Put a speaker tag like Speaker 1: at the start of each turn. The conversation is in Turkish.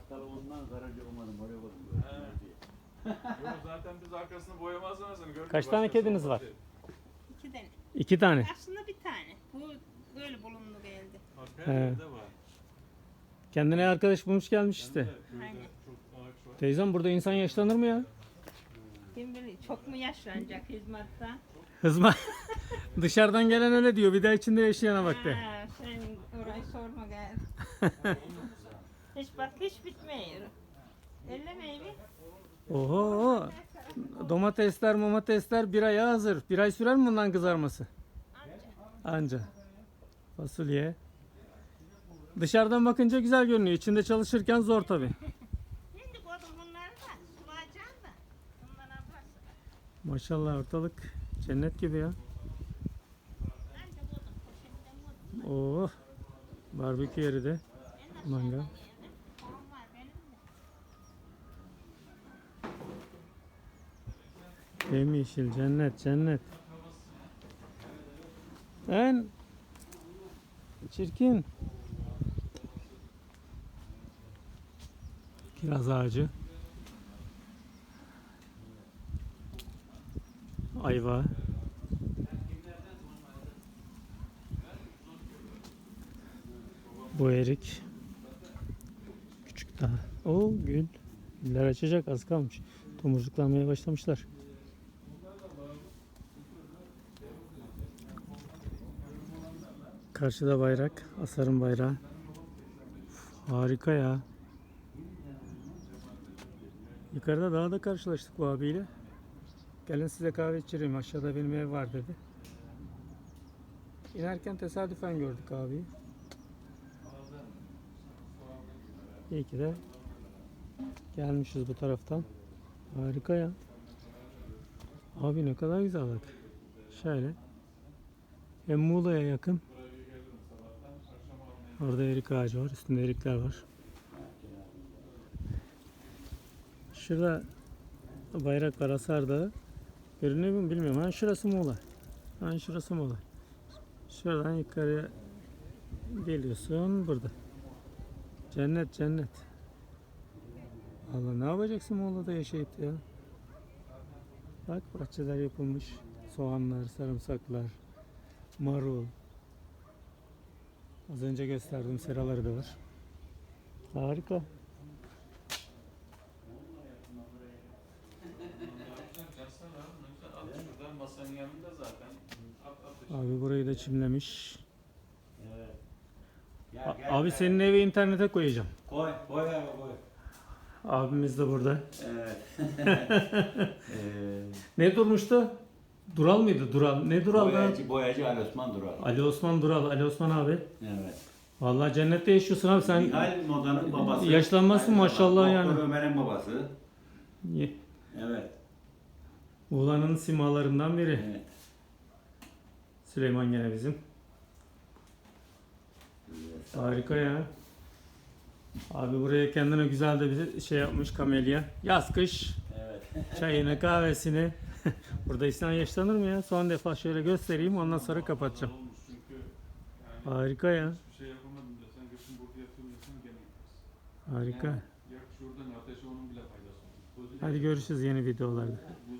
Speaker 1: Bakkal ondan garajı olmadım oraya bakıyorum.
Speaker 2: Yok zaten biz arkasını boyamazsanız gördük.
Speaker 3: Kaç tane kediniz var?
Speaker 4: 2 tane.
Speaker 3: 2 tane.
Speaker 4: Aslında bir tane. Bu böyle bulundu geldi.
Speaker 2: Her
Speaker 3: He.
Speaker 2: yerde var.
Speaker 3: Kendine arkadaş bulmuş gelmiş işte.
Speaker 2: Köyde
Speaker 4: Aynen.
Speaker 2: çok ağaç var.
Speaker 3: Teyzem burada insan yaşlanır mı ya?
Speaker 4: Kim bilir çok mu yaşlanacak hizmetten?
Speaker 3: Hızma. Dışarıdan gelen öyle diyor. Bir daha içinde yaşayana bak de.
Speaker 4: Ha, sen orayı sorma gel. Hiç bak hiç bitmiyor. Ellemeyi bir.
Speaker 3: Oho. Domatesler bir aya hazır. Bir ay sürer mi bundan kızarması? Anca. Fasulye. Dışarıdan bakınca güzel görünüyor. İçinde çalışırken zor tabi.
Speaker 4: Şimdi koydum bunları da sulayacağım da. Bundan ablası.
Speaker 3: Maşallah ortalık cennet gibi ya.
Speaker 4: Anca koydum poşetten koydum.
Speaker 3: Oh. Barbekü yeri de.
Speaker 4: En
Speaker 3: Mangal.
Speaker 4: aşağıdan yani. Tohum var benim de.
Speaker 3: Yemyeşil cennet cennet. En çirkin. Kiraz ağacı. Ayva. Bu erik. Küçük daha. O gül. Güller açacak az kalmış. Tomurcuklanmaya başlamışlar. Karşıda bayrak. Asar'ın bayrağı. Harika ya. Yukarıda dağda karşılaştık bu abiyle. Gelin size kahve içireyim. Aşağıda benim ev var dedi. İnerken tesadüfen gördük abiyi. İyi ki de gelmişiz bu taraftan. Harika ya. Abi ne kadar güzel bak. Şöyle. Hem Muğla'ya yakın. Orada erik ağacı var. Üstünde erikler var. Şurada bayrak var, Asar Dağı. Görünüyor mu bilmiyorum. Ha şurası Muğla. Ha şurası Muğla. Şuradan yukarıya geliyorsun burada. Cennet cennet. Allah ne yapacaksın Muğla'da yaşayıp ya? Bak bahçeler yapılmış. Soğanlar, sarımsaklar, marul. Az önce gösterdiğim seraları da var. Harika.
Speaker 2: Şuradan masanın yanında zaten.
Speaker 3: Abi burayı da çimlemiş.
Speaker 1: Evet. Gel,
Speaker 3: Abi
Speaker 1: gel.
Speaker 3: senin evi internete koyacağım.
Speaker 1: Koy abi koy.
Speaker 3: Abimiz de burada.
Speaker 1: Evet.
Speaker 3: Ne durmuştu? Dural mıydı? Dural. Ne Dural da?
Speaker 1: Boyacı Ali Osman Dural.
Speaker 3: Ali Osman Dural. Ali Osman abi.
Speaker 1: Evet.
Speaker 3: Vallahi cennette yaşıyorsun abi sen.
Speaker 1: Nihal Moda'nın babası.
Speaker 3: Yaşlanmazsın maşallah yani.
Speaker 1: Doktor Ömer'in babası.
Speaker 3: Ye-
Speaker 1: Evet.
Speaker 3: Muğla'nın simalarından biri.
Speaker 1: Evet.
Speaker 3: Süleyman gene bizim. Harika ya. Abi buraya kendine güzel de bir şey yapmış kamelya. Yaz kış
Speaker 1: Evet.
Speaker 3: çayını kahvesini. Burada insan yaşlanır mı ya? Son defa şöyle göstereyim ondan sonra kapatacağım.
Speaker 2: Olmuş çünkü yani
Speaker 3: Harika ya.
Speaker 2: hiçbir şey yapamadım desen geçin burada yatıyorum desen gene yaparsın.
Speaker 3: Harika.
Speaker 2: Yani yak şuradan ateşe onun bile faydası olur. Gözüyle
Speaker 3: Hadi görüşürüz yeni videolarda.
Speaker 2: gözü